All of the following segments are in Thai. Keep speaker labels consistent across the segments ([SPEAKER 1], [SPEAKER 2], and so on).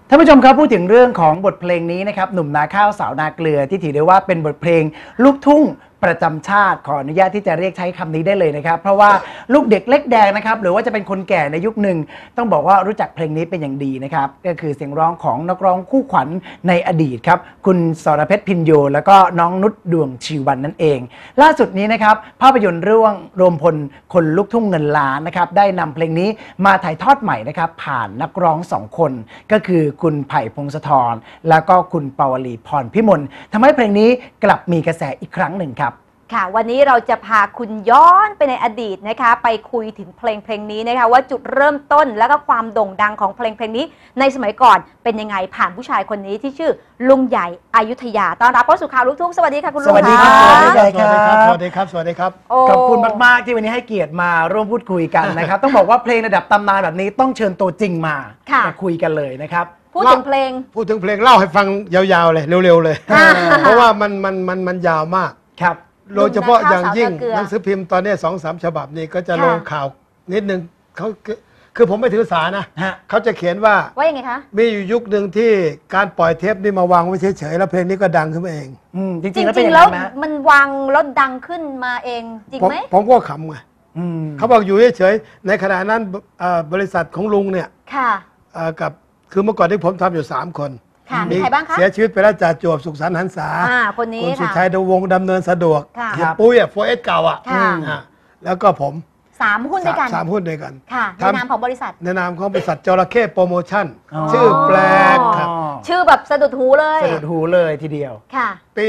[SPEAKER 1] ท่านผู้ชมครับพูดถึงเรื่องของบทเพลงนี้นะครับหนุ่มนาข้าวสาวนาเกลือที่ถือได้ว่าเป็นบทเพลงลูกทุ่งประจำชาติขออนุญาตที่จะเรียกใช้คำนี้ได้เลยนะครับเพราะว่าลูกเด็กเล็กแดงนะครับหรือว่าจะเป็นคนแก่ในยุคหนึ่งต้องบอกว่ารู้จักเพลงนี้เป็นอย่างดีนะครับก็คือเสียงร้องของนักร้องคู่ขวัญในอดีตครับคุณสรเพชรพินโยแล้วก็น้องนุชดวงชีวันนั่นเองล่าสุดนี้นะครับภาพยนตร์เรื่องรวมพลคนลูกทุ่งเงินล้านนะครับได้นำเพลงนี้มาถ่ายทอดใหม่นะครับผ่านนักร้อง2 คนก็คือคุณไผ่พงศธรแล้วก็คุณปวลีพรพิมลทำให้เพลงนี้กลับมีกระแสอีกครั้งหนึ่งครับ
[SPEAKER 2] ค่ะวันนี้เราจะพาคุณย้อนไปในอดีตนะคะไปคุยถึงเพลงนี้นะคะว่าจุดเริ่มต้นและก็ความโด่งดังของเพลงนี้ในสมัยก่อนเป็นยังไงผ่านผู้ชายคนนี้ที่ชื่อลุงใหญ่อยุธยาต้อนรับเข้าสู่ข่าวลูกทุ่งสวัสดีค่ะคุณลุง
[SPEAKER 1] สวัสดีครับสวัสดีครับ
[SPEAKER 3] สวัสดีครับสวัสดีครับ
[SPEAKER 1] ขอบคุณมากๆที่วันนี้ให้เกียรติมาร่วมพูดคุยกันนะครับต้องบอกว่าเพลงระดับตำนานแบบนี้ต้องเชิญตัวจริงมาคุยกันเลยนะครับ
[SPEAKER 2] พูดถึงเพลง
[SPEAKER 3] เล่าให้ฟังยาวๆเลยเร็วๆเลยเพราะว่ามันยาวมาก
[SPEAKER 1] ครับ
[SPEAKER 3] โดยเฉพาะอย่างยิ่งหนังสือพิมพ์ตอนนี้2-3 ฉบับนี้ก็จะลงข่าวนิดนึงเขาคือผมไม่ถือสานะเขาจะเขียนว่า
[SPEAKER 2] ยังไงคะ
[SPEAKER 3] มีอยู่ยุคหนึ่งที่การปล่อยเทปนี่มาวางไว้เฉยๆแล้วเพลงนี้ก็ดังขึ้นมาเอง
[SPEAKER 2] จริงแล้วมันวางแล้วดังขึ้นมาเองจริงไหม
[SPEAKER 3] ผมก็ขำไงเขาบอกอยู่เฉยๆในขณะนั้นบริษัทของลุงเนี่ยกับคือเมื่อก่อนที่ผมทำอยู่3 คน
[SPEAKER 2] มีใครบ้างคะ
[SPEAKER 3] เสียชีวิตไปแล้วจ่าจวบสุขสันต์หันษา
[SPEAKER 2] คนนี้
[SPEAKER 3] คุณสุชัยดวงดำเนินสะดวกปุ้ยโฟเอสเก่าแล้วก็ผม
[SPEAKER 2] 3 หุ้นด้วยกัน
[SPEAKER 3] 3 หุ้นด้วยกัน
[SPEAKER 2] ในนามของบริษัท
[SPEAKER 3] ในนามของบริษัทจระเข้โปรโมชั่นชื่อแปลกครับ
[SPEAKER 2] ชื่อแบบสะดุดหูเลย
[SPEAKER 1] สะดุดหูเลยทีเดียว
[SPEAKER 3] ปี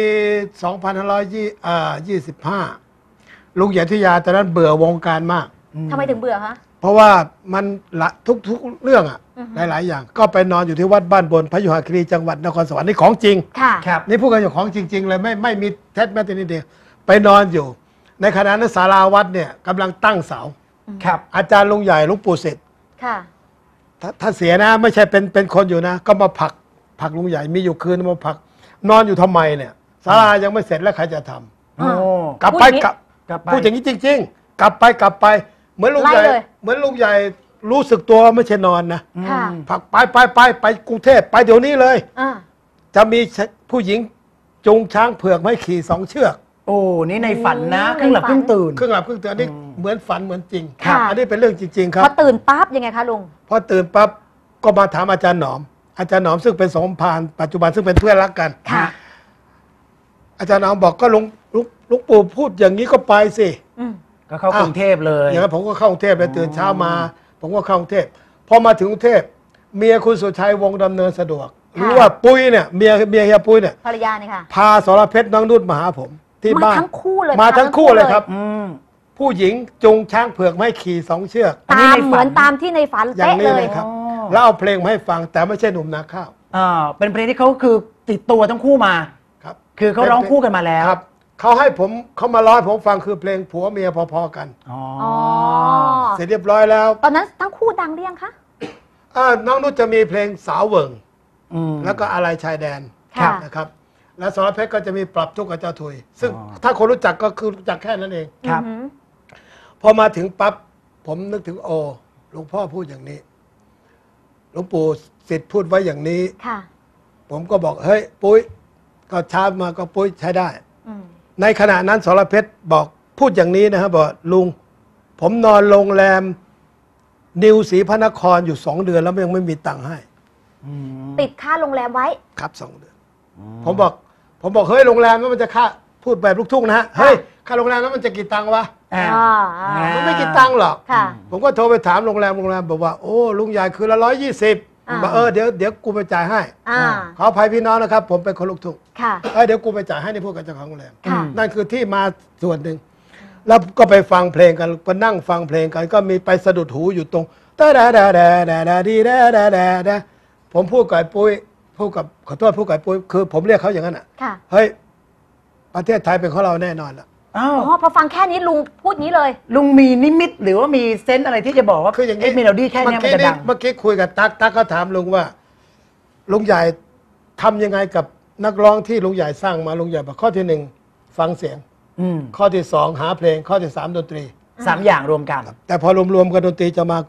[SPEAKER 3] 2525ลุงใหญ่ทิยาตอนนั้นเบื่อวงการมาก
[SPEAKER 2] ทำไมถึงเบื่อคะ
[SPEAKER 3] เพราะว่ามันทุกเรื่องหลายอย่างก็ไปนอนอยู่ที่วัดบ้านบนพยุหคีรีจังหวัดนครสวรรค์นี่ของจริง
[SPEAKER 1] ครับ
[SPEAKER 3] นี่พูดกันอย่างของจริงๆเลยไม่มีเท็จแม้แต่นิดเดียวไปนอนอยู่ในขณะนั้นศาลาวัดเนี่ยกำลังตั้งเสา
[SPEAKER 1] ครับ
[SPEAKER 3] อาจารย์ลุงใหญ่หลวงปู่เสร็จถ้าเสียนะไม่ใช่เป็นคนอยู่นะก็มาผลักลุงใหญ่มีอยู่คืนมาผลักนอนอยู่ทำไมเนี่ยศาลายังไม่เสร็จแล้วใครจะทำกลับไปพูดอย่างนี้จริงๆกลับไปเหมือนลุงใหญ่รู้สึกตัวไม่ใช่นอนนะผักไปกรุงเทพไปเดี๋ยวนี้เลยจะมีผู้หญิงจูงช้างเผือกไม่ขี่2 เชือก
[SPEAKER 1] โอ้นี่ในฝันนะครึ่งหลับครึ่งตื่น
[SPEAKER 3] อันนี้เหมือนฝันเหมือนจริงอันนี้เป็นเรื่องจริงๆครับ
[SPEAKER 2] พอตื่นปั๊บยังไงคะลุง
[SPEAKER 3] พอตื่นปั๊บก็มาถามอาจารย์หนอมซึ่งเป็นสมภารปัจจุบันซึ่งเป็นเพื่อนรักกันอาจารย์หนอมบอกก็ลุงปู่พูดอย่างนี้ก็ไปสิ
[SPEAKER 1] ก็เข้ากรุงเทพเลย
[SPEAKER 3] อย่างนั้นผมก็เข้ากรุงเทพเลยตื่นเช้ามาผมก็เข้ากรุงเทพพอมาถึงกรุงเทพเมียคุณสุชัยวงดำเนินสะดวกรู้ว่าปุ้ยเนี่ยเมียเฮียปุ้ยเนี่ย
[SPEAKER 2] ภรรยาเนี่ยค่ะ
[SPEAKER 3] พาสรเพชรน้องนุชมาหาผมที่บ้าน
[SPEAKER 2] มาทั้งคู่
[SPEAKER 3] เลยครับผู้หญิงจูงช้างเผือกไม่ขี่2 เชือก
[SPEAKER 2] เหมือนตามที่ในฝัน
[SPEAKER 3] เป๊ะเลยครับแล้วเอาเพลงมาให้ฟังแต่ไม่ใช่หนุ่มนาข้าว
[SPEAKER 1] เป็นเพลงที่เขาคือติดตัวทั้งคู่มา
[SPEAKER 3] ครับ
[SPEAKER 1] คือเขาร้องคู่กันมาแล้ว
[SPEAKER 3] ครับเขาให้เขามาร้องผมฟังคือเพลงผัวเมียพอๆกันเสร็จเรียบร้อยแล้ว
[SPEAKER 2] ตอนนั้นทั้งคู่ดังหรือยังคะ
[SPEAKER 3] น้องนุชจะมีเพลงสาวเวิงแล้วก็อะไรชายแดนนะครับแล้วสรเพชรก็จะมีปรับทุกข์กับเจ้าถุยซึ่งถ้าคนรู้จักก็คือรู้จักแค่นั้นเอง
[SPEAKER 1] ครับ
[SPEAKER 3] พอมาถึงปั๊บผมนึกถึงหลวงพ่อพูดอย่างนี้หลวงปู่ศิษย์พูดไว้อย่างนี้ผมก็บอกเฮ้ยปุ้ยก็ช้ามาก็ปุ้ยใช้ได้ในขณะนั้นสรเพชรบอกพูดอย่างนี้นะครับบอกลุงผมนอนโรงแรมนิวศรีพระนครอยู่2 เดือนแล้วยังไม่มีตังค์ให้
[SPEAKER 2] ติดค่าโรงแรมไว้
[SPEAKER 3] ครับ2 เดือนผมบอกเฮ้ยโรงแรมนั้นมันจะค่าพูดแบบลูกทุ่งนะฮะเฮ้ยค่าโรงแรมนั้นมันจะกี่ตังค์วะมันไม่กี่ตังค์หรอกผมก็โทรไปถามโรงแรมบอกว่าโอ้ลุงใหญ่คืนละ120บอกเดี๋ยวกูไปจ่ายให้ขออภัยพี่น้องนะครับผมเป็นคนลูกทุ่งเดี๋ยวกูไปจ่ายให้ในพวกกับเจ้าของโรงแรมนั่นคือที่มาส่วนหนึ่งแล้วก็ไปฟังเพลงกันก็นั่งฟังเพลงกันก็มีไปสะดุดหูอยู่ตรงผมพูดกับปุ้ยพูดกับขอโทษพูดกับปุ้ยคือผมเรียกเขาอย่างนั้นเฮ้ยประเทศไทยเป็นของเราแน่นอนละ
[SPEAKER 2] พอฟังแค่นี้ลุงพูดนี้เลย
[SPEAKER 1] ลุงมีนิมิตหรือว่ามีเซนส์อะไรที่จะบอกว่า
[SPEAKER 3] คืออย่างนี้
[SPEAKER 1] เมโลดี้แค่นี้มันจะดัง
[SPEAKER 3] เมื่อกี้คุยกับตั๊กเขาถามลุงว่าลุงใหญ่ทำยังไงกับนักร้องที่ลุงใหญ่สร้างมาลุงใหญ่บอกข้อที่1ฟังเสียงข้อที่2หาเพลงข้อที่3ดนตรี
[SPEAKER 1] 3 อย่างรวมกัน
[SPEAKER 3] แต่พอรวมกันดนตรีจะมาก่อน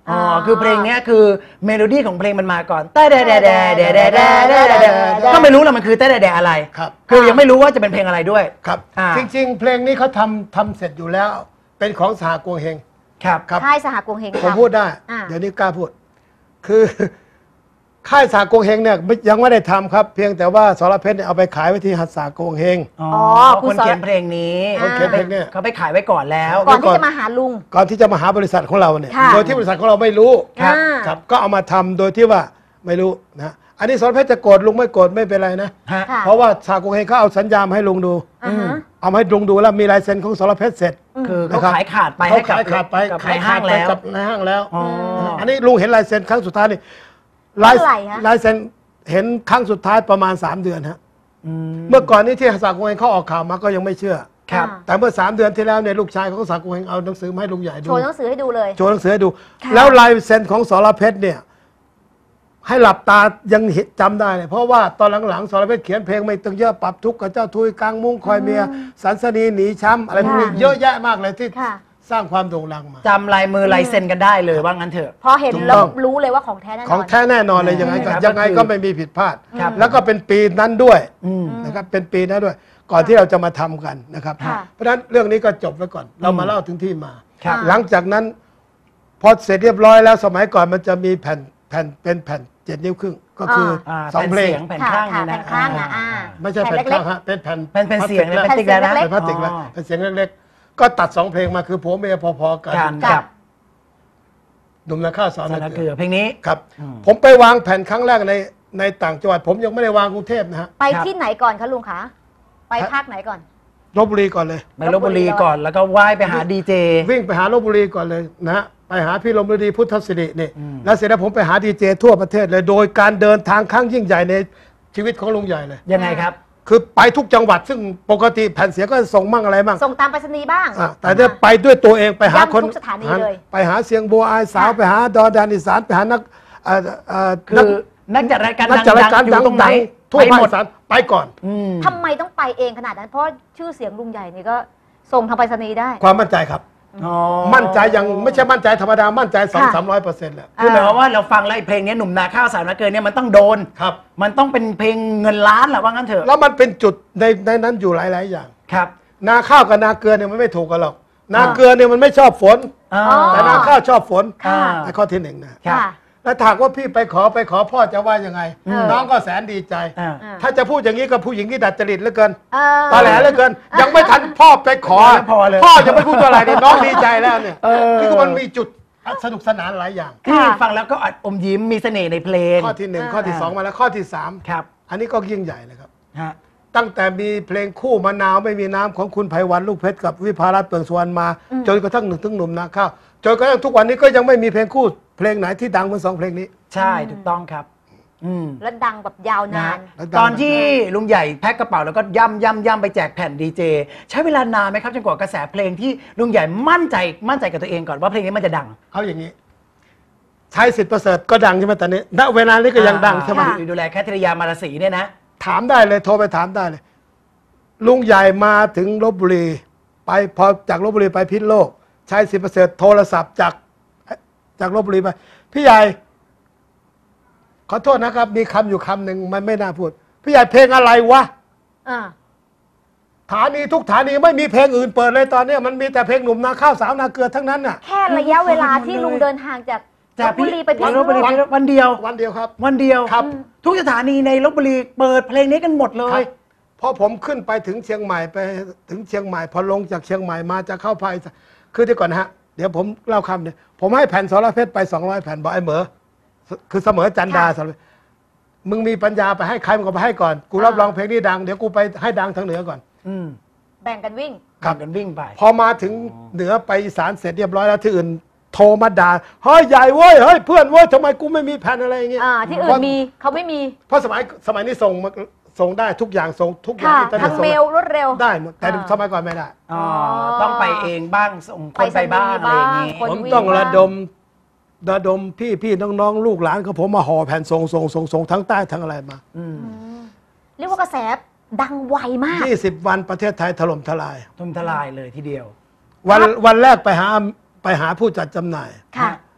[SPEAKER 1] อ๋อคือเพลงเนี้ยคือเมโลดี้ของเพลงมันมาก่อนแต่แดแดแดแดแดแดแดแดก็ไม่รู้ละมันคือแต่แดแดอะไร
[SPEAKER 3] ครับ
[SPEAKER 1] คือยังไม่รู้ว่าจะเป็นเพลงอะไรด้วย
[SPEAKER 3] ครับ
[SPEAKER 1] อ่า
[SPEAKER 3] จริงๆ เพลงนี้เขาทำเสร็จอยู่แล้ว เป็นของสหกวงเฮง
[SPEAKER 1] ครับ
[SPEAKER 3] ครับ
[SPEAKER 2] ค่ายสหกวงเฮง
[SPEAKER 3] ผม
[SPEAKER 2] ทำ
[SPEAKER 3] พูดได้
[SPEAKER 2] อ่า
[SPEAKER 3] เดี๋ยวนี้กล้าพูด คือ ค่ายสากงเฮงเนี่ยยังไม่ได้ทำครับ เพียงแต่ว่าสรเพชรเนี่ยเอาไปขายไว้ที่หัตถสากงเฮง
[SPEAKER 1] อ๋อ
[SPEAKER 2] คุ
[SPEAKER 1] ค
[SPEAKER 2] ณ
[SPEAKER 1] น
[SPEAKER 2] สอน
[SPEAKER 1] เขียนเพลงนี้
[SPEAKER 2] คนเขียน
[SPEAKER 3] เพลงเนี่ย
[SPEAKER 1] เขาไปขายไว้ก่อนแล้ว
[SPEAKER 2] ก่อนที่จะมาหาลุง
[SPEAKER 3] ก่อนที่จะมาหาบริษัทของเราเนี่ย
[SPEAKER 2] ค่ะ
[SPEAKER 3] โดยที่บริษัทของเราไม่รู้
[SPEAKER 2] ครับ
[SPEAKER 3] ครับ ก็เอามาทำโดยที่ว่าไม่รู้นะอันนี้สรเพชรจะโกรธลุงไม่โกรธไม่เป็นไรนะ
[SPEAKER 1] ฮะ
[SPEAKER 2] ค่ะ
[SPEAKER 3] เพราะว่าสากงเฮงเขาเอาสัญญามาให้ลุงดู
[SPEAKER 2] อ่าฮะ
[SPEAKER 3] เอามาให้ลุงดูแล้วมีลายเซ็นของสรเพชรเสร็จ
[SPEAKER 1] คือเขา
[SPEAKER 3] นะครับ
[SPEAKER 1] ขายขาดไป
[SPEAKER 3] เขา
[SPEAKER 1] ให้กับ
[SPEAKER 3] ขายขาดไป
[SPEAKER 1] กับ
[SPEAKER 3] ขาย
[SPEAKER 1] ใน
[SPEAKER 3] ขา
[SPEAKER 1] ห้า
[SPEAKER 3] ด
[SPEAKER 1] ง
[SPEAKER 3] ไป
[SPEAKER 1] แล้ว
[SPEAKER 3] กับในห้างแล้ว
[SPEAKER 1] อ๋อ
[SPEAKER 3] อันนี้ลุงเห็นลายเซ็นครั้งสุดท้ายนี่
[SPEAKER 2] เท่าไหร่ฮะ
[SPEAKER 3] ลายเซ็นเห็นครั้งสุดท้ายประมาณ 3 เดือนฮะ
[SPEAKER 1] อืม
[SPEAKER 3] เมื่อก่อนนี้ที่สากลเฮงเขาออกข่าวมาก็ยังไม่เชื่อ
[SPEAKER 1] ครับ
[SPEAKER 3] แต่เมื่อ 3 เดือนที่แล้วเนี่ยลูกชายของสากลเฮงเอาหนังสือมาให้ลุงใหญ่ดู
[SPEAKER 2] โชว์หนังสือให้ดูเลย
[SPEAKER 3] โชว์หนังสือให้ดู
[SPEAKER 2] ค่ะ
[SPEAKER 3] แล้วลายเซ็นของสรเพชรเนี่ยให้หลับตายังเห็นจำได้เลยเพราะว่าตอนหลังๆสรเพชรเขียนเพลงไม่ตึงเยอะปรับทุกข์กับเจ้าทุยกลางมุ้งคอยเมียสันสนีหนีช้ำอะไรพวกนี้เยอะแยะมากเลยที่
[SPEAKER 2] ค่ะ
[SPEAKER 3] สร้างความโด่งดังมา
[SPEAKER 1] จำลายมือลายเซ็นกันได้เลยว่างั้นเถอะ
[SPEAKER 2] พอเห็น
[SPEAKER 3] ถูก
[SPEAKER 2] แล้ว
[SPEAKER 3] ต้อง
[SPEAKER 2] รู้เลยว่าของแท้แน่นอน
[SPEAKER 3] ของแท้แน่นอนเลยยังไงก็
[SPEAKER 1] ครับ
[SPEAKER 3] ยังไงก็ไม่มีผิดพลาด
[SPEAKER 1] ครับ
[SPEAKER 3] แล้วก็เป็นปีนั้นด้วย
[SPEAKER 1] อืม
[SPEAKER 3] นะครับเป็นปีนั้นด้วย ก่อนที่เราจะมาทำกันนะครับ
[SPEAKER 2] ค่ะ
[SPEAKER 3] เพราะฉะนั้นเรื่องนี้ก็จบไว้ก่อน เรามาเล่าถึงที่มา
[SPEAKER 1] ครับ
[SPEAKER 3] หลังจากนั้น พอเสร็จเรียบร้อยแล้วสมัยก่อนมันจะมีแผ่นเป็นแผ่น7 นิ้วครึ่งก็คืออา สอง
[SPEAKER 1] แผ่น
[SPEAKER 3] เพลง
[SPEAKER 1] เสียงแผ่น
[SPEAKER 2] ค่ะ
[SPEAKER 1] ข้าง
[SPEAKER 2] ค่ะ
[SPEAKER 1] เนี่ยนะ
[SPEAKER 2] แผ่นข้างนะ
[SPEAKER 3] ไม่ใช่แผ่น
[SPEAKER 2] เล็
[SPEAKER 3] ข้าก งฮะเป็นแผ่น
[SPEAKER 1] เป็นเสียง
[SPEAKER 3] พลาส
[SPEAKER 1] แผ่น
[SPEAKER 3] ติก
[SPEAKER 1] พลาสติกแล้วนะ
[SPEAKER 2] เล็ก
[SPEAKER 3] เป็นพลาสติกแล้ว
[SPEAKER 1] อ๋อ
[SPEAKER 3] เป็นเสียงเล็กๆ ก็ตัด2 เพลงมาคือผัวเมียพอๆกัน
[SPEAKER 1] การ
[SPEAKER 2] กั
[SPEAKER 1] กับ บ
[SPEAKER 3] หนุ่มนาข้าวสาว
[SPEAKER 1] สา
[SPEAKER 3] นา
[SPEAKER 1] ร
[SPEAKER 3] เก
[SPEAKER 1] เก
[SPEAKER 3] ลื
[SPEAKER 1] ลื
[SPEAKER 3] อ
[SPEAKER 1] อเพลงนี้
[SPEAKER 3] ครับ
[SPEAKER 1] อืม
[SPEAKER 3] ผมไปวางแผ่นครั้งแรกในต่างจังหวัดผมยังไม่ได้วางกรุงเทพนะฮะ
[SPEAKER 2] ไปที่ไหนก่อนคะลุงคะไปภาคไหนก่อน
[SPEAKER 3] ลบบุรีก่อนเลย
[SPEAKER 1] ไปลบบุรีก่อนแล้วก็ว่ายไปหาดีเจ
[SPEAKER 3] วิ่งไปหาลบบุรีก่อนเลยนะฮะไปหาพี่ลมฤดีพุทธศิรินี่
[SPEAKER 1] อืม
[SPEAKER 3] แล้วเสร็จแล้วผมไปหาดีเจทั่วประเทศเลยโดยการเดินทางครั้งยิ่งใหญ่ในชีวิตของลุงใหญ่เลย
[SPEAKER 1] ยังไงครับ
[SPEAKER 3] คือไปทุกจังหวัดซึ่งปกติแผ่นเสียงก็ส่งมั่งอะไรมั่ง
[SPEAKER 2] ส่งตามไปรษณีย์บ้าง
[SPEAKER 3] แต่เนี่ยไปด้วยตัวเองไปหาคน
[SPEAKER 2] ย้ำทุกสถานีเลย
[SPEAKER 3] ไปหาเสียงบัวอายสาว
[SPEAKER 2] ค่ะ
[SPEAKER 3] ไปหาดอนแดนอีสานไปหานัก
[SPEAKER 1] คือนักจัดรายการ
[SPEAKER 3] นักจัดรายการ
[SPEAKER 1] ดังๆอยู่ตรงไหน
[SPEAKER 3] ทั่ว
[SPEAKER 1] ไป
[SPEAKER 3] ภาค
[SPEAKER 1] หมด
[SPEAKER 3] อีสานไปก่อน
[SPEAKER 1] อืม
[SPEAKER 2] ทำไมต้องไปเองขนาดนั้น เพราะชื่อเสียงลุงใหญ่นี่ก็ส่งทางไปรษณีย์ได้
[SPEAKER 3] ความมั่นใจครับ
[SPEAKER 1] อ๋อ
[SPEAKER 3] มั่นใจยังไม่ใช่มั่นใจธรรมดามั่นใจ200-300%แหละ
[SPEAKER 1] คือหมายความว่าเราฟังแล้วไอ้เพลงนี้หนุ่มนาข้าวสาวนาเกลือเนี่ยมันต้องโดน
[SPEAKER 3] ครับ
[SPEAKER 1] มันต้องเป็นเพลงเงินล้านแหละว่างั้นเถอะ
[SPEAKER 3] แล้วมันเป็นจุดในนั้นอยู่หลาย ๆ อย่าง
[SPEAKER 1] ครับ
[SPEAKER 3] นาข้าวกับนาเกลือเนี่ยมันไม่ถูกกันหรอก นาเกลือเนี่ยมันไม่ชอบฝน
[SPEAKER 1] อ่า
[SPEAKER 2] อ๋อ
[SPEAKER 3] แต่นาข้าวชอบฝน
[SPEAKER 2] ค่ะ
[SPEAKER 3] ในข้อที่หนึ่งนะ
[SPEAKER 1] ครับ
[SPEAKER 2] ค่ะ
[SPEAKER 3] แล้วถามว่าพี่ไปขอพ่อจะว่ายังไง
[SPEAKER 2] อืม
[SPEAKER 3] น้องก็แสนดีใจ
[SPEAKER 1] อ่า
[SPEAKER 3] ถ้าจะพูดอย่างนี้กับผู้หญิงที่ดัดจริตเหลือเกิน
[SPEAKER 2] เออ
[SPEAKER 3] ตอแหลเหลือเกิน ยังไม่ทันพ่อไปขอ
[SPEAKER 1] ไม่พอเลย
[SPEAKER 3] พ่อจะไม่พูดตัวอะไรเนี่ยน้องดีใจแล้วเนี่ย
[SPEAKER 1] เออ
[SPEAKER 3] นี่ก็มันมีจุดสนุกสนานหลายอย่าง
[SPEAKER 1] ที่ฟังแล้วก็อัดอมยิ้มมีเสน่ห์ในเพลง
[SPEAKER 3] ข้อที่หนึ่งข้อที่สองมาแล้วข้อที่สาม
[SPEAKER 1] ครับ
[SPEAKER 3] อันนี้ก็ยิ่งใหญ่เลยครับ
[SPEAKER 1] ฮะ
[SPEAKER 3] ตั้งแต่มีเพลงคู่มะนาวไม่มีน้ำของคุณไพวันลูกเพชรกับวิภารัตน์เปลืองสุวรรณมา จนกระทั่งถึงหนุ่มนาข้าวจนกระทั่งทุกวันนี้ก็ยังไม่มีเพลงคู่เพลงไหนที่ดังเหมือน2 เพลงนี้
[SPEAKER 1] ใช่ถูกต้องครับ อืม
[SPEAKER 2] แล้วดังแบบยาวนาน
[SPEAKER 3] แล้วดัง
[SPEAKER 1] ตอนที่ลุงใหญ่แพ็คกระเป๋าแล้วก็ย่ำไปแจกแผ่นดีเจใช้เวลานานไหมครับจนกว่ากระแสเพลงที่ลุงใหญ่มั่นใจกับตัวเองก่อนว่าเพลงนี้มันจะดัง
[SPEAKER 3] เอาอย่างนี้ ใช้สิทธิ์ประเสริฐก็ดังใช่ไหมตอนนี้ณเวลานี้ก็ยังดังใช่ไหม
[SPEAKER 2] ค่ะ
[SPEAKER 1] ดูแลแคทริยามาราศีเนี่ยนะ
[SPEAKER 3] ถามได้เลยโทรไปถามได้เลย ลุงใหญ่มาถึงลบบุรีไปพอจากลบบุรีไปพิษณุโลก ใช้สิทธิ์ประเสริฐโทรศัพท์จากลบบุรีไปพี่ใหญ่ขอโทษนะครับ มีคำอยู่คำหนึ่งมันไม่น่าพูด พี่ใหญ่เพลงอะไรวะ
[SPEAKER 2] อ่า
[SPEAKER 3] ฐานีทุกฐานีไม่มีเพลงอื่นเปิดเลยตอนเนี้ยมันมีแต่เพลงหนุ่มนาข้าวสาวนาเกลือทั้งนั้นน่ะ
[SPEAKER 2] แค่ระยะเวลาที่ลุงเดินทางจากลบบุรีไปพิษณุ
[SPEAKER 1] ลบบุรี
[SPEAKER 2] โลก
[SPEAKER 1] วันเดียว
[SPEAKER 3] วันเดียวครับ
[SPEAKER 1] วันเดียว
[SPEAKER 3] ครับ
[SPEAKER 1] ทุกสถานีในลบบุรีเปิดเพลงนี้กันหมดเล
[SPEAKER 3] ครั
[SPEAKER 1] ย
[SPEAKER 3] บพอผมขึ้นไปถึงเชียงใหม่ไปถึงเชียงใหม่พอลงจากเชียงใหม่มาจะเข้าภาคอีสานคือเดี๋ยวก่อนนะฮะเดี๋ยวผมเล่าคำเนี่ยผมให้แผ่นสรเพชรไป200 แผ่นบอกไอ้เหมอคือเสมอจันดา
[SPEAKER 2] ค่ะ
[SPEAKER 3] สรเพชรมึงมีปัญญาไปให้ใครมึงก็ไปให้ก่อน กูรับรองเพลงนี้ดังเดี๋ยวกูไปให้ดังทางเหนือก่อน
[SPEAKER 1] อืม
[SPEAKER 2] แบ่งกันวิ่ง
[SPEAKER 3] ครับ
[SPEAKER 1] กันวิ่งไป
[SPEAKER 3] พอมาถึงเหนือไปอีสานเสร็จเรียบร้อยแล้วที่อื่นโทรมาด่าเฮ้ยใหญ่เว้ยเฮ้ยเพื่อนเว้ยทำไมกูไม่มีแผ่นอะไรอย่างเงี้ย
[SPEAKER 2] ที่อื่นมีเขาไม่มี
[SPEAKER 3] เพราะสมัยนี้ส่งได้ทุกอย่างส่งทุกอย่าง
[SPEAKER 2] ค่ะ
[SPEAKER 3] อินเทอร์เน็
[SPEAKER 2] ทา
[SPEAKER 3] ต
[SPEAKER 2] ง
[SPEAKER 3] ส่ง
[SPEAKER 2] เมลรวดเร็ว
[SPEAKER 3] ได้หมดแต่
[SPEAKER 2] อ่า
[SPEAKER 3] สมัยก่อนไม่ได้
[SPEAKER 1] อ๋อ ต้องไปเองบ้างส่งคนไปบ้างอะไรอย่างงี้
[SPEAKER 2] คน
[SPEAKER 3] ผม
[SPEAKER 2] วิ่ง
[SPEAKER 3] ต้อง
[SPEAKER 2] บ้าง
[SPEAKER 3] ระดมพี่น้องลูกหลานของผมมาห่อแผ่นส่งทั้งใต้ทั้งอะไรมา
[SPEAKER 1] อืม
[SPEAKER 2] เรียกว่ากระแสดังไวมาก
[SPEAKER 3] 20 วันประเทศไทยถล่มทลาย
[SPEAKER 1] ทุ่มทลายเลยทีเดียว
[SPEAKER 3] วันแรกไปหาผู้จัดจำหน่าย
[SPEAKER 2] ค่ะ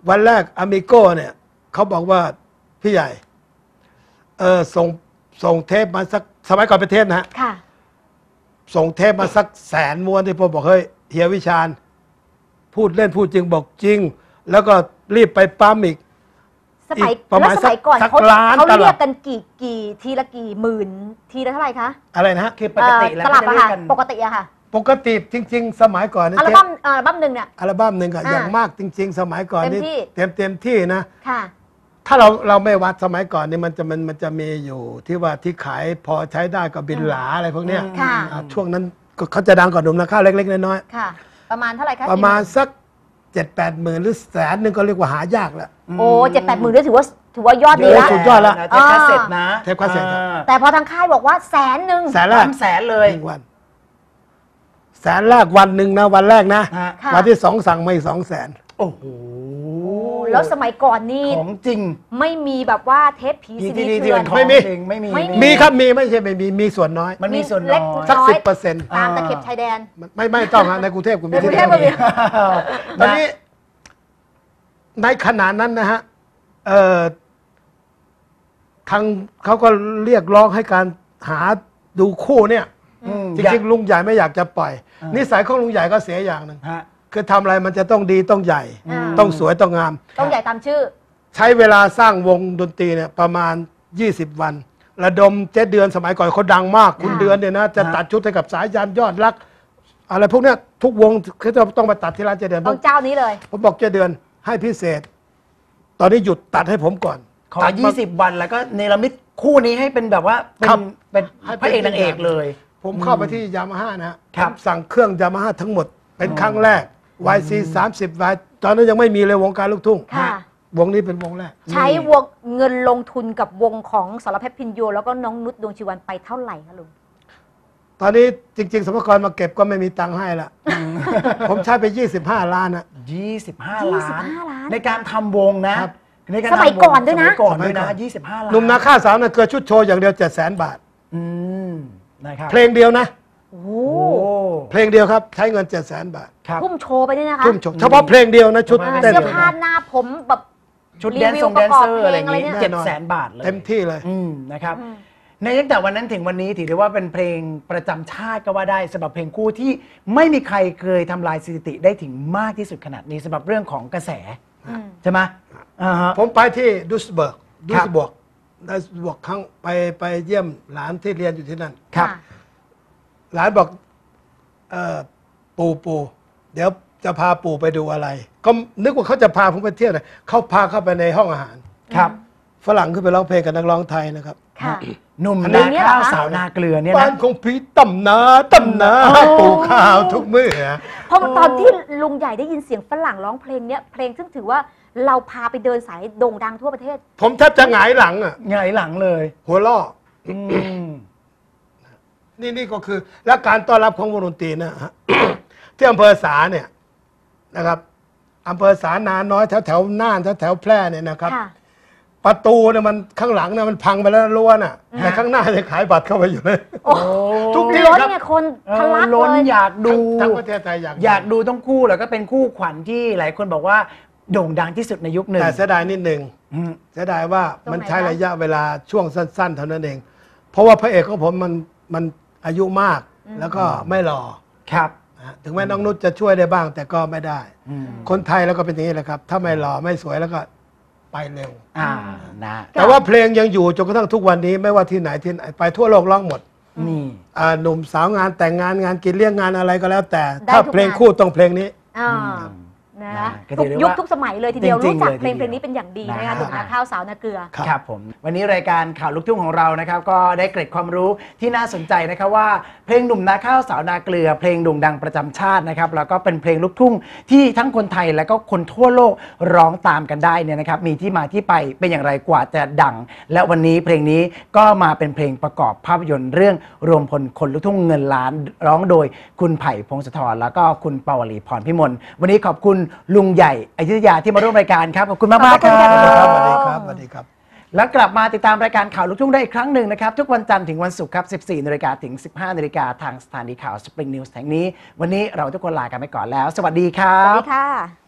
[SPEAKER 3] วันแรกอามิโก้เนี่ยเขาบอกว่าพี่ใหญ่ส่งเทปมาสักสมัยก่อนเป็นเทปนะฮะ
[SPEAKER 2] ค่ะ
[SPEAKER 3] ส่งเทปมาสัก100,000 ม้วนที่ผมบอกเฮ้ยเฮียวิชาญพูดเล่นพูดจริงบอกจริง แล้วก็รีบไปปั๊มอีก ประมาณ
[SPEAKER 2] แล้วสมัยก่อน
[SPEAKER 3] สัก
[SPEAKER 2] เขา
[SPEAKER 3] ล้าน
[SPEAKER 2] เขา
[SPEAKER 3] ตลับ
[SPEAKER 2] เรียกกันกี่ทีละกี่หมื่นทีละเท่าไหร่คะ
[SPEAKER 3] อะไรนะฮะ
[SPEAKER 1] คือปกติแล้ว
[SPEAKER 2] ตลับ
[SPEAKER 1] ก็
[SPEAKER 2] อะ
[SPEAKER 1] จะเรีย
[SPEAKER 2] ค่ะ
[SPEAKER 1] กกัน
[SPEAKER 2] ปกติอะค่ะ
[SPEAKER 3] ปกติจริง ๆ สมัยก่อนเนี่ย
[SPEAKER 2] อัลบั้มหนึ่งเนี่ย
[SPEAKER 3] อัลบั้มหนึ่งอะ
[SPEAKER 2] อ่า
[SPEAKER 3] อย่างมากจริง ๆ สมัยก่อนนี่
[SPEAKER 2] เต็มที่
[SPEAKER 3] เต็มที่นะ
[SPEAKER 2] ค่ะ
[SPEAKER 3] ถ้าเราไม่วัดสมัยก่อนนี่มันจะมีอยู่ที่ว่าที่ขายพอใช้ได้ก็บินหลาอะไรพวกเนี้ย
[SPEAKER 2] ค่ะ
[SPEAKER 3] ช่วงนั้นก็เขาจะดังกว่าหนุ่มนาข้าวเล็กๆน้อย
[SPEAKER 2] ค่ะ ประมาณเท่าไหร่คะ
[SPEAKER 3] ๆประมาณสัก7-8 หมื่นหรือ100,000ก็เรียกว่าหายากแล้ว
[SPEAKER 2] โอ้7-8 หมื่นด้วยถือว่ายอดดี
[SPEAKER 3] เย
[SPEAKER 2] ละ
[SPEAKER 3] อะสุดยอดละ
[SPEAKER 1] เทปคาสเซ็ตนะ
[SPEAKER 3] เทปคาสเซ็ตครับ
[SPEAKER 2] แต่พอทางค่ายบอกว่า100,000
[SPEAKER 3] แสนแรก
[SPEAKER 1] 300,000เลย
[SPEAKER 3] 1 วันแสนแรกวันหนึ่งนะวันแรกนะ
[SPEAKER 1] ฮะ
[SPEAKER 2] ค่ะ
[SPEAKER 3] วันที่2สั่งมาอีก200,000
[SPEAKER 1] โอ้โห
[SPEAKER 2] แล้วสมัยก่อนนี่
[SPEAKER 1] ของจริง
[SPEAKER 2] ไม่มีแบบว่าเทปผี
[SPEAKER 1] ที่
[SPEAKER 2] ซี
[SPEAKER 1] ที่
[SPEAKER 2] ดี
[SPEAKER 1] ที่
[SPEAKER 2] เถื่อน
[SPEAKER 1] ของ
[SPEAKER 3] ไม่มี
[SPEAKER 1] จริงไม่มี
[SPEAKER 2] ไม่
[SPEAKER 3] มีครับมีไม่ใช่ไม่มีส่วนน้อย
[SPEAKER 1] มันมีส่วน
[SPEAKER 2] เล็
[SPEAKER 1] น้
[SPEAKER 2] ก
[SPEAKER 1] อย
[SPEAKER 3] สัก
[SPEAKER 2] น้อย
[SPEAKER 3] 10%
[SPEAKER 2] ตามตะเข็บชายแดน
[SPEAKER 3] ไม่ต้องฮะในกรุงเทพคุณ
[SPEAKER 2] ในกรุงเทพ
[SPEAKER 3] ที่
[SPEAKER 2] ก็มี
[SPEAKER 3] ตอนนี้ในขณะนั้นนะฮะทางเขาก็เรียกร้องให้การหาดูคู่เนี่ย จริงๆลุงใหญ่ไม่อยากจะปล่อย นิสัยของลุงใหญ่ก็เสียอย่างหนึ่ง
[SPEAKER 1] ฮะ
[SPEAKER 3] คือทำอะไรมันจะต้องดีต้องใหญ่
[SPEAKER 2] อ่า
[SPEAKER 3] ต้องสวยต้องงาม
[SPEAKER 2] ต้องใหญ่ตามชื่อ
[SPEAKER 3] ใช้เวลาสร้างวงดนตรีเนี่ยประมาณ 20 วัน ระดมเจ๊เดือนสมัยก่อนเขาดังมาก คุณ
[SPEAKER 2] ค่ะ
[SPEAKER 3] เดือนเนี่ยนะจะ
[SPEAKER 1] ฮะ
[SPEAKER 3] ตัดชุดให้กับสายยานยอดรัก อะไรพวกเนี้ยทุกวงเขาจะต้องมาตัดที่ร้านเจ๊เดือน
[SPEAKER 2] ต้องเจ้านี้เลย
[SPEAKER 3] ผมบอกเจ๊เดือนให้พิเศษ ตอนนี้หยุดตัดให้ผมก่อน
[SPEAKER 1] ขอ
[SPEAKER 3] ตัดมา
[SPEAKER 1] 20 วันแล้วก็เนรมิตคู่นี้ให้เป็นแบบว่าเป็น
[SPEAKER 3] ครับ
[SPEAKER 1] เป็น
[SPEAKER 3] ให้
[SPEAKER 1] พระเอกนางเอกเลย
[SPEAKER 3] ผมเข้าไปที่ยามาฮ่านะฮะ
[SPEAKER 1] ครับ
[SPEAKER 3] ผมสั่งเครื่องยามาฮ่าทั้งหมด เป็นครั้งแรก YC 30 Y ตอนนั้นยังไม่มีเลยวงการลูกทุ่ง
[SPEAKER 2] ค่ะ
[SPEAKER 3] วงนี้เป็นวงแรก
[SPEAKER 2] ใช้วงเงินลงทุนกับวงของสรเพชรพินโยแล้วก็น้องนุชดวงชีวันไปเท่าไหร่คะลุง
[SPEAKER 3] ตอนนี้จริง ๆสมกรมาเก็บก็ไม่มีตังค์ให้ละ ผมใช้ไป 25 ล้านนะ
[SPEAKER 1] 25 ล้าน
[SPEAKER 2] 25 ล้าน
[SPEAKER 1] ในการทำวงนะครับ ในการทำวง
[SPEAKER 2] สมัยก่อนด้วยนะ
[SPEAKER 1] สมัยก่อนด้วยนะ
[SPEAKER 3] สมัยก่อน
[SPEAKER 1] 25 ล้าน
[SPEAKER 3] หนุ่มนาข้าสาวนะเกิดชุดโชว์อย่างเดียว700,000 บาท
[SPEAKER 1] อืมนะครับ
[SPEAKER 3] เพลงเดียวนะ
[SPEAKER 2] โอ้โห
[SPEAKER 1] โอ้
[SPEAKER 3] เพลงเดียวครับ ใช้เงิน700,000 บาท
[SPEAKER 1] ครับ
[SPEAKER 2] ทุ่มโชว์ไปเนี่ยนะคะ
[SPEAKER 3] ทุ่มโชว์เฉพาะเพลงเดียวนะชุด
[SPEAKER 2] อ่า
[SPEAKER 3] เต้น
[SPEAKER 2] เสื้อผ้าหน้าผมแบบ
[SPEAKER 1] ชุดแดนซ์
[SPEAKER 2] รีวิว
[SPEAKER 1] ทรงแดนเซอร์อะไรอย่าง
[SPEAKER 2] ประกอบเพลงอะไร
[SPEAKER 1] งี้
[SPEAKER 2] เนี่ย
[SPEAKER 1] 700,000 บาทเลย
[SPEAKER 3] เต็มที่เลย
[SPEAKER 1] นะครับ
[SPEAKER 2] อืม
[SPEAKER 1] ในตั้งแต่วันนั้นถึงวันนี้ถือได้ว่าเป็นเพลงประจำชาติก็ว่าได้สำหรับเพลงคู่ที่ไม่มีใครเคยทำลายสถิติได้ถึงมากที่สุดขนาดนี้สำหรับเรื่องของกระแส
[SPEAKER 2] อืม
[SPEAKER 1] ใช่ไหมอ่าฮะ
[SPEAKER 3] ผมไปที่ดุสเบิร์ก
[SPEAKER 1] ครับ
[SPEAKER 3] ครั้งไปเยี่ยมหลานที่เรียนอยู่ที่นั่น
[SPEAKER 1] ครับ
[SPEAKER 2] ะ
[SPEAKER 3] หลานบอกปู่เดี๋ยวจะพาปู่ไปดูอะไร ก็นึกว่าเขาจะพาผมไปเที่ยวเลยเขาพาเข้าไปในห้องอาหาร
[SPEAKER 1] ครับ
[SPEAKER 3] ฝรั่งขึ้นไปร้องเพลงกับนักร้องไทยนะครับ
[SPEAKER 2] ค่ะ
[SPEAKER 1] หนุ่ม
[SPEAKER 3] อันนี้
[SPEAKER 1] นาข้าวสาวนาเกลือเนี่ย
[SPEAKER 3] บ้า
[SPEAKER 1] นะ
[SPEAKER 3] นของพี่ตำนาปลูกข้าวทุกมื้อ
[SPEAKER 2] เพราะตอนที่ลุงใหญ่ได้ยินเสียงฝรั่งร้องเพลงเนี้ยเพลงซึ่งถือว่าเราพาไปเดินสายโด่งดังทั่วประเทศ
[SPEAKER 3] ผมแทบจะหงายหลังอ่ะ
[SPEAKER 1] ไงายหลังเลย
[SPEAKER 3] หัวล่อ
[SPEAKER 1] อืม
[SPEAKER 3] นี่ก็คือและการต้อนรับของวงดนตรีนะฮะ ที่อำเภอสาเนี่ยนะครับอำเภอสานาน้อยแถวน่านแถวแพร่เนี่ยนะครับ
[SPEAKER 2] ค่ะ
[SPEAKER 3] ประตูเนี่ยมันข้างหลังเนี่ยมันพังไปแล้วรั้วน่ะแต่ข้างหน้ายังขายบัตรเข้าไปอยู่เลย
[SPEAKER 2] โอ้
[SPEAKER 3] ทุกที่
[SPEAKER 2] ล้น
[SPEAKER 3] ครับ
[SPEAKER 2] ไงคนทะลัก
[SPEAKER 1] ล้น
[SPEAKER 2] เลย
[SPEAKER 1] อยากดู
[SPEAKER 3] ทั้งประเทศไทยอยาก
[SPEAKER 1] ดูต้องคู่แล้วก็เป็นคู่ขวัญที่หลายคนบอกว่าโด่งดังที่สุดในยุคหนึ่ง
[SPEAKER 3] แต่เสียดายนิดหนึ่ง
[SPEAKER 1] อืม
[SPEAKER 3] เสียดายว่า
[SPEAKER 2] ตรงไหน
[SPEAKER 3] มันใช้
[SPEAKER 2] คะ
[SPEAKER 3] ระยะเวลาช่วงสั้น ๆ เท่านั้นเอง เพราะว่าพระเอกของผมมันอายุมากแล้วก็ไม่หล่อ
[SPEAKER 1] ครับ
[SPEAKER 3] นะฮะถึงแม้น้องนุชจะช่วยได้บ้าง แต่ก็ไม่ได้
[SPEAKER 1] อืม
[SPEAKER 3] คนไทยแล้วก็เป็นอย่างนี้แหละครับ ถ้าไม่หล่อไม่สวยแล้วก็ไปเร็ว
[SPEAKER 1] นะ
[SPEAKER 3] แต่ว่าเพลงยังอยู่จนกระทั่งทุกวันนี้ไม่ว่าที่ไหนไปทั่วโลกร้องหมด
[SPEAKER 1] นี่
[SPEAKER 3] หนุ่มสาวงานแต่งงานงานกินเลี้ยงงานอะไรก็แล้ว แต่
[SPEAKER 2] ได้
[SPEAKER 3] ถ้า
[SPEAKER 2] ทุก
[SPEAKER 3] เพลง
[SPEAKER 2] งาน
[SPEAKER 3] คู่ต้องเพลงนี้
[SPEAKER 2] อ่านะ
[SPEAKER 1] ก็
[SPEAKER 2] ทุ
[SPEAKER 1] ถื
[SPEAKER 2] ก
[SPEAKER 1] อได้
[SPEAKER 2] ยุค
[SPEAKER 1] ว่า
[SPEAKER 2] ทุกสมัยเลยทีเดียว
[SPEAKER 1] จริ
[SPEAKER 2] รู้
[SPEAKER 1] งๆ
[SPEAKER 2] จัก
[SPEAKER 1] เลย
[SPEAKER 2] เพลง
[SPEAKER 1] ทีเดียว
[SPEAKER 2] นี้เป็นอย่างดีนะคะ
[SPEAKER 1] นะ
[SPEAKER 2] หนุ่มนาข้าวสาวนาเกลือ
[SPEAKER 1] ครับผมวันนี้รายการข่าวลูกทุ่งของเรานะครับก็ได้เกร็ดความรู้ที่น่าสนใจนะครับว่าเพลงหนุ่มนาข้าวสาวนาเกลือ เพลงโด่งดังประจำชาตินะครับแล้วก็เป็นเพลงลูกทุ่งที่ทั้งคนไทยและก็คนทั่วโลกร้องตามกันได้เนี่ยนะครับมีที่มาที่ไปเป็นอย่างไรกว่าจะดัง และวันนี้เพลงนี้ก็มาเป็นเพลงประกอบภาพยนตร์เรื่องรวมพลคนลูกทุ่งเงินล้านร้องโดยคุณไผ่พงศธรแล้วก็คุณปวลีพรพิมลวันนี้ขอบคุณลุงใหญ่อยุธยาที่มาร่วมรายการครับขอบคุณมากมากๆค
[SPEAKER 2] ขอบคุณ
[SPEAKER 1] รั
[SPEAKER 2] ค่ะ
[SPEAKER 3] สวัสดี
[SPEAKER 1] บ
[SPEAKER 3] ครับสวัสดีครับ
[SPEAKER 1] แล้วกลับมาติดตามรายการข่าวลูกทุ่งได้อีกครั้งหนึ่งนะครับ ทุกวันจันทร์ถึงวันศุกร์ครับ 14 นาฬิกาถึง 15 นาฬิกาทางสถานีข่าว Spring News แห่งนี้ วันนี้เราทุกคนลากันไปก่อนแล้ว สวัสดีครั
[SPEAKER 2] สวัส
[SPEAKER 1] บ
[SPEAKER 2] ดีค่ะ